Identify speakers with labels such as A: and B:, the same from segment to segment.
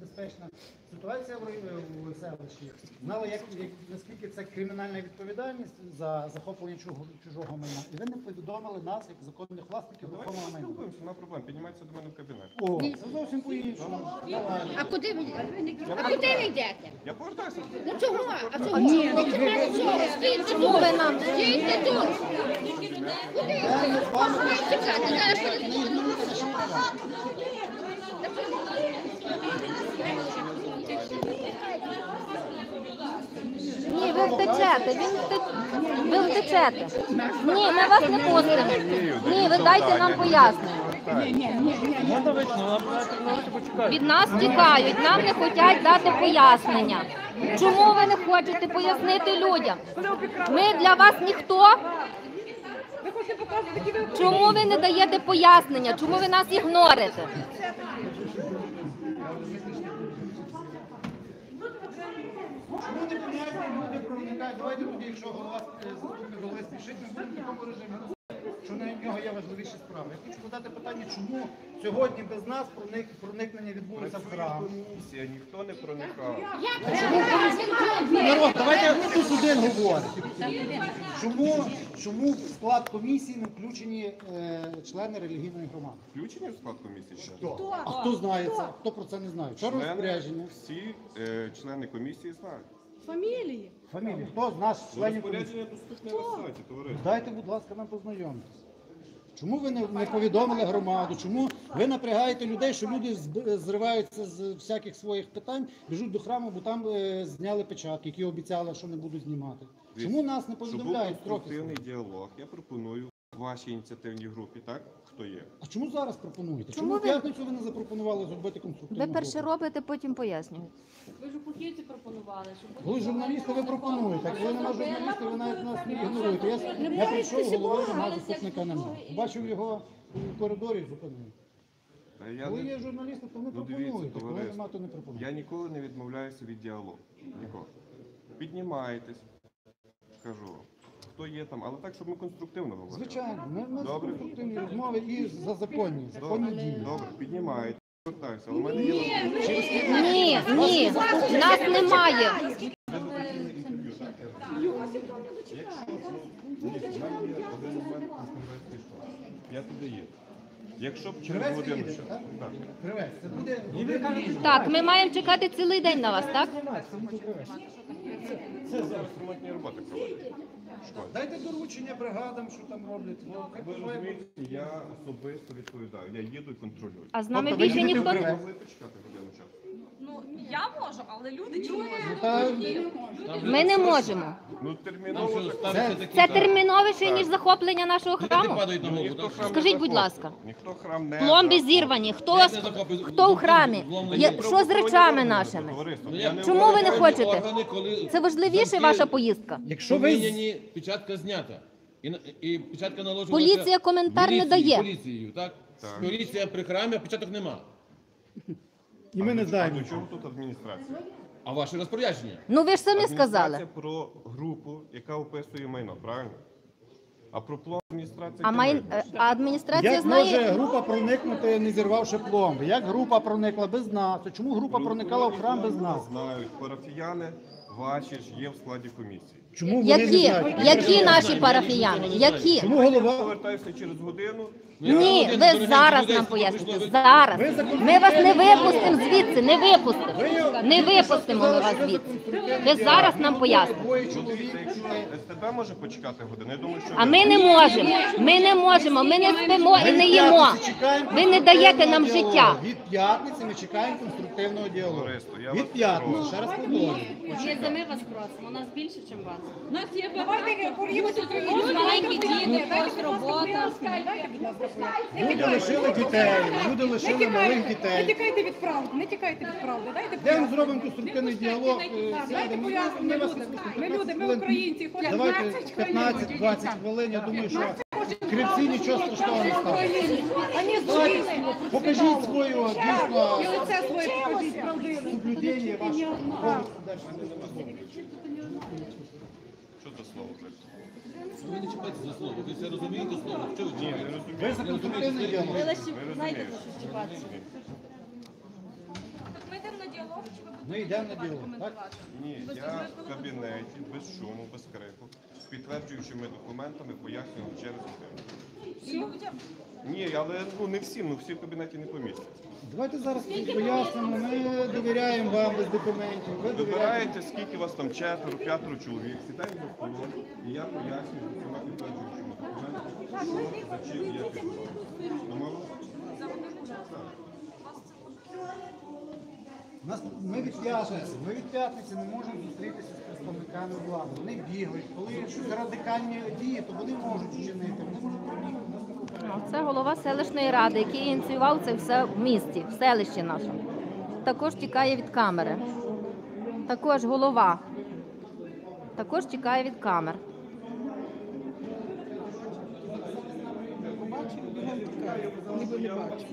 A: небезпечна ситуація в селищі. Знали, наскільки це кримінальна відповідальність за захоплення чужого майна. І ви не повідомили нас, як законних власників рухомого майна.
B: Спілкуємося, нема проблем. Піднімайтеся до мене в кабінет.
A: О, це зовсім по-іншому.
C: А куди ви йдете?
B: Я повертаюся.
C: Ну чого? А чого? Ні, стійте тут. Ви нам стійте тут. Куди йдете? Чекайте, зараз.
D: Ні, ви втечете, ви втечете. Ні, ми вас не пустимо. Ні, ви дайте нам пояснення. Від нас тікають, нам не хочуть дати пояснення. Чому ви не хочете пояснити людям? Ми для вас ніхто? Чому ви не даєте пояснення? Чому ви нас ігнорите?
A: Чому не помагайте, люди проникають? Давайте тоді, якщо голова спішить, ми будемо в такому режимі, що на нього є важливіші справи. Я хочу задати питання, чому сьогодні без нас проникнення відбулося в храм?
B: Комісія, ніхто не проникав.
A: Народ, давайте тут один говорить. Чому в склад комісії не включені члени релігійної громади?
B: Включені в склад комісії?
A: Хто? А хто знає це? Хто про це не знає? Що розпорядження?
B: Всі члени комісії знають.
E: Фамілії.
A: Фамілії. Хто з нас членів комісії?
B: Розпорядження доступне на сайті, товариство.
A: Дайте, будь ласка, нам познайомитися. Чому ви не повідомили громаду? Чому ви напрягаєте людей, що люди зриваються з всяких своїх питань, біжуть до храму, бо там зняли печатки, які обіцяли, що не будуть знімати? Чому нас не повідомляють
B: Щоб був
A: трохи?
B: конструктивний діалог, я пропоную вашій ініціативній групі, так? Хто є?
A: А чому зараз пропонуєте?
D: Чому
A: Чому в
D: ви-
A: п'ятницю ви не запропонували зробити конструктивну
D: Ви перше
A: групу?
D: робите, потім пояснюєте.
E: Ви ж у Пухівці пропонували, щоб...
A: Коли журналісти ви пропонуєте, а коли нема журналістів, ви навіть нас не ігноруєте. Я прийшов, голови нема, заступника немає. Бачив його в коридорі, зупинив.
B: Та я
A: Коли
B: не-
A: є журналісти, то ви
B: Ну, дивіться,
A: пропонуєте, коли
B: товариство,
A: нема, то не пропонуєте.
B: Я ніколи не відмовляюся від діалогу. Ніколи. Піднімайтесь, кажу, хто є там, але так, щоб ми конструктивно говорили.
A: Звичайно, ми з
B: Добре.
A: конструктивні розмови і за законні дії.
B: Добре, піднімайтесь, повертаюся. Але в мене є
D: Ні, ні, нас немає.
B: Я туди є. Якщо б через
A: Кривець
B: годину
A: їде,
B: ще.
A: так?
B: Так.
A: Кривець, це буде...
D: Так, ми маємо чекати цілий день на вас, так?
B: Це зараз ремонтні роботи проводять.
A: Дайте доручення бригадам, що там роблять.
B: Ви розумієте, я особисто відповідаю. Я їду і контролюю.
D: А з нами
A: Тобто ви
D: більше
A: їдете
D: ніхто
A: в
D: не...
A: Кривець?
B: Могли почекати годину часу.
E: Ну, я можу, але люди чи можуть?
A: Та,
D: Ми не можемо.
B: Ну терміново.
D: Це терміновіше, ніж захоплення нашого храму.
B: Ніхто храм не
D: Скажіть, будь
B: захопив.
D: ласка.
B: Ніхто храм не
D: Пломби
B: захопив.
D: зірвані. Хто у храмі? Що з речами нашими?
B: Товариство, я не
D: Чому ви не
B: вважаю-
D: хочете? Це важливіше ваша поїздка?
A: якщо ви...
F: Поміняні, печатка знята. І печатка наложена...
D: Поліція коментар не дає.
F: Поліцією, так?
B: Так.
F: Поліція при храмі, а печаток нема.
A: І ми не
B: А
A: знаємо.
B: до чого тут адміністрація?
F: А ваше розпорядження?
D: Ну ви ж самі сказали.
B: Адміністрація про групу, яка описує майно, правильно? А про план адміністрації...
D: А адміністрація
A: Як може
D: знає...
A: група проникнути, не зірвавши пломби? Як група проникла без нас? Чому група проникала в храм без нас?
B: Знають, парафіяни ваші ж є в складі комісії.
A: Чому вони не
D: Які?
A: знають?
D: Які наші парафіяни? Які?
A: Чому голова...
B: Повертаюся через годину.
D: Ні, ви зараз нам поясните. Зараз. Ми вас не випустимо звідси, не випустимо. Не випустимо ми вас звідси. Ви зараз нам поясните.
A: Двоє чоловік.
B: Дивіться, якщо СТБ може почекати годину, я думаю, що...
D: А ми не можемо. Ми не можемо. Ми не спимо і не їмо. Ви не даєте нам життя.
A: Від п'ятниці ми чекаємо конструктивного діалогу.
B: Товариство, я вас
A: Від п'ятниці,
B: прошу.
A: ще раз повторюю.
G: Ми вас просимо, у нас більше, ніж вас.
E: У нас є багато.
G: Маленькі діти, когось робота.
A: Люди лишили дітей, люди лишили малих
E: Не
A: дітей.
E: тікайте від правди, не тікайте від правди. Дайте
A: Де ми зробимо конструктивний діалог?
E: Дайте пояснення людям. Ми люди, ми українці.
A: Давайте 15-20 хвилин, я думаю, що кривці нічого страшного не ставить. Покажіть свою дійсно
E: І лице своє покажіть правдиве.
A: соблюдення вашого повністю далі.
B: Що це слово?
F: Ви не чіпайте за слово. Ви це розумієте слово? Що ви
B: Ні,
F: чіпаєте?
B: не розумію.
A: Ви за конструктивний діалог.
G: Ви лише знайдете, що чіпатися.
E: Ми йдемо на
A: Ми йдемо на діалог, так?
B: Ні, я в кабінеті, без шуму, без крику, з підтверджуючими документами пояснював через годину. Ні, але не всім, всі в кабінеті не помістяться.
A: Давайте зараз пояснимо, ми довіряємо вам без документів. Ви довіряєте.
B: Вибираєте, скільки вас там 4-5 чоловік, сідаємо за столом, і я пояснюю з усіма підтверджуючими документами, що, за чим є підготовка. Домовились?
A: Ми від п'ятниці не можемо зустрітися з представниками влади. Вони бігають. Коли щось радикальні дії, то вони можуть вчинити. Вони можуть проникнути.
D: Це голова селищної ради, який ініціював це все в місті, в селищі нашому. Також тікає від камери. Також голова. Також тікає від камер.
E: Ніби не бачу.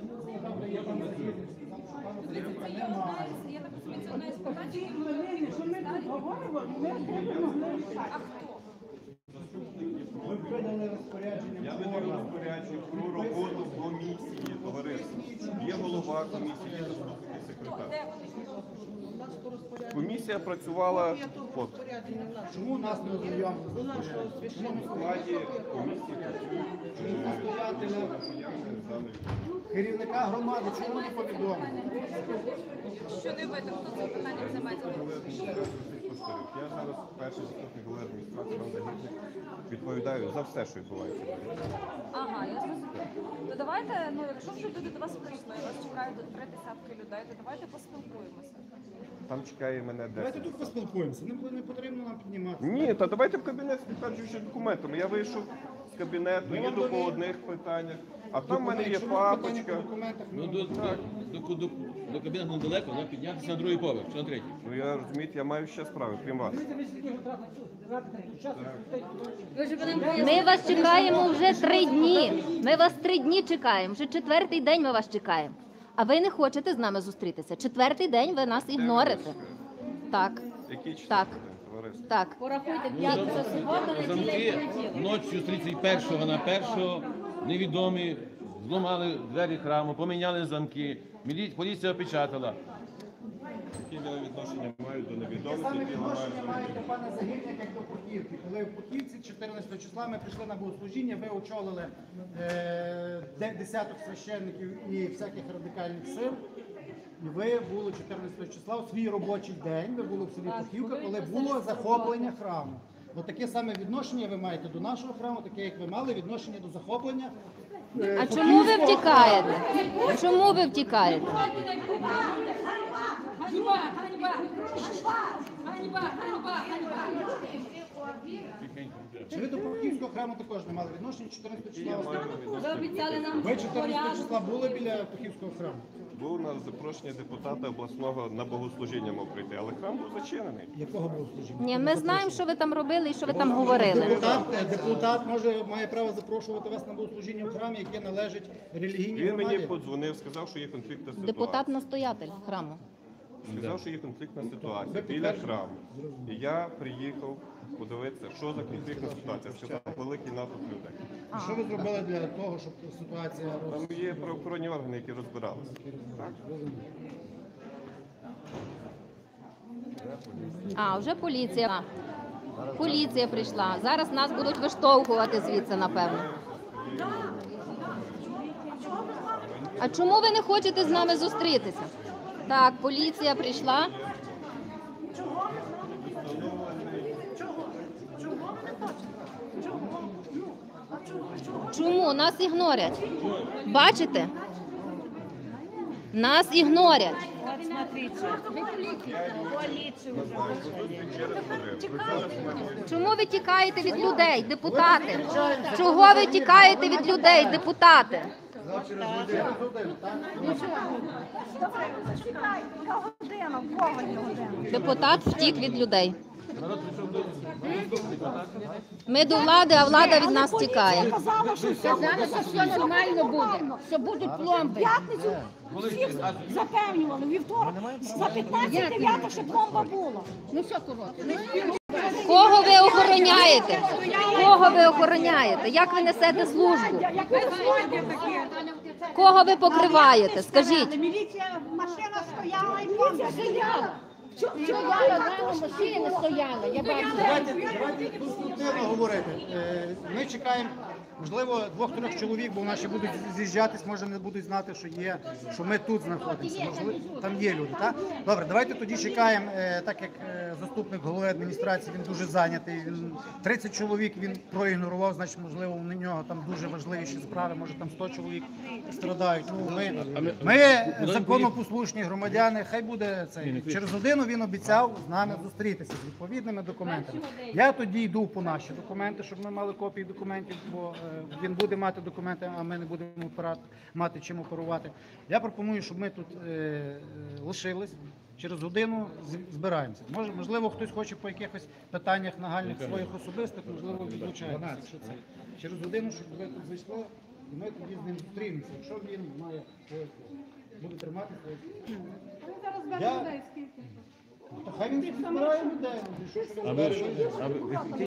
A: Ми прийняли розпорядження.
B: Я видаю розпорядження про роботу комісії, товариства. Є голова комісії, є заступник секретар. Комісія працювала от.
A: Чому нас не ознайомили?
B: В складі комісії працюють
A: Керівника громади, чому не повідомили?
G: Що не видно, хто це питання займається?
B: Я зараз перший заступник голови адміністрації Іван Загірник, відповідаю за все, що відбувається.
H: Ага, я зрозуміла. То давайте, якщо вже люди до вас прийшли, вас чекають 3 десятки людей, то давайте поспілкуємося.
B: Там чекає мене
A: Давайте
B: 10.
A: тут поспілкуємося, не потрібно нам підніматися.
B: Ні, та давайте в кабінет з підтверджуючими документами. Я вийшов з кабінету, їду по одних питаннях, а там в мене є папочка.
F: До кабінету недалеко, вона піднятися на другий поверх, чи на третій.
B: Ну я розумієте, я маю ще справи, крім вас.
D: Ми вас чекаємо вже 3 дні. Ми вас 3 дні чекаємо. Вже 4-й день ми вас чекаємо. А ви не хочете з нами зустрітися. 4-й день ви нас ігнорите. Так.
B: Який
D: Так.
B: четвертий день, товариство?
D: Так.
G: Порахуйте, п'ятниця, субота, неділя і
F: Замки
G: понеділок.
F: ночі з 31 на 1 невідомі зламали двері храму, поміняли замки, поліція опечатала.
B: Які я відношення маю до
A: Те
B: невідомих,
A: саме
B: які
A: відношення
B: ламають
A: маєте
B: замки?
A: пане Загірник, як до Путівки. Коли в Путівці 14 числа ми прийшли на богослужіння, ви очолили десяток священників і всяких радикальних сил. І ви були 14 числа у свій робочий день, ви були в селі Путівка, коли було захоплення храму. От таке саме відношення ви маєте до нашого храму, таке як ви мали відношення до захоплення.
D: А чому ви втікаєте? Чому ви втікаєте?
C: Ганьба! Ганьба! Ганьба! Ганьба! Ганьба!
A: Чи ви до Путівського храму також не мали відношення 14 числа?
G: Ви обіцяли нам
A: Ви 14 числа були біля Путівського храму?
B: Був на запрошення депутата обласного на богослужіння мав прийти, але храм був зачинений.
A: Якого богослужіння?
D: Ні, ми знаємо, що ви там робили і що ви там говорили.
A: Депутат має право запрошувати вас на богослужіння в храмі, яке належить релігійній
B: Він мені
A: громаді.
B: подзвонив, сказав, що є конфліктна ситуація.
D: Депутат-настоятель храму.
B: Сказав, що є конфліктна ситуація біля храму. І я приїхав подивитися, що за конфліктна ситуація. Сказав, великий натовп людей.
A: І що ви зробили для того, щоб ситуація
B: Там є правоохоронні органи, які розбиралися.
D: А, вже поліція. Поліція прийшла. Зараз нас будуть виштовхувати звідси, напевно. А чому ви не хочете з нами зустрітися? Так, поліція прийшла. Чому? Нас ігнорять. Бачите? Нас ігнорять. Чому ви тікаєте від людей, депутати? Чого ви тікаєте від людей, депутати? Депутат втік від людей. Ми до влади, а влада від нас тікає.
C: Казали, що все нормально буде, що будуть пломби.
I: П'ятницю всіх запевнювали, вівторок, за 15-9 ще пломба була.
C: Ну все, коротко.
D: Кого ви охороняєте? Кого ви охороняєте? Як ви несете службу?
I: Як ви знаєте таке?
D: Кого ви покриваєте? Скажіть.
I: Міліція, машина стояла і помня стояла.
C: Машини стояли, я бачу.
A: Давайте конструктивно говорити. Ми чекаємо, можливо, 2-3 чоловік, бо наші будуть з'їжджатись, може не будуть знати, що ми тут знаходимося. Можливо, там є люди. Так? Добре, давайте тоді чекаємо, так як заступник голови адміністрації, він дуже зайнятий. 30 чоловік він проігнорував, значить, можливо, у нього там дуже важливіші справи, може там 100 чоловік страдають. Ну, ми законопослушні громадяни, хай буде це. Через годину він обіцяв з нами зустрітися з відповідними документами. Я тоді йду по наші документи, щоб ми мали копії документів, бо він буде мати документи, а ми не будемо мати чим оперувати. Я пропоную, щоб ми тут лишились. Через годину збираємося. Можливо, хтось хоче по якихось питаннях нагальних своїх особистих, можливо, відлучається. Через годину, щоб ви тут зайшли, і ми тоді з ним зустрінемося. Якщо він має буде тримати своє.
E: Зараз бере людей скільки.
A: Хай він збирає людей.
F: А ви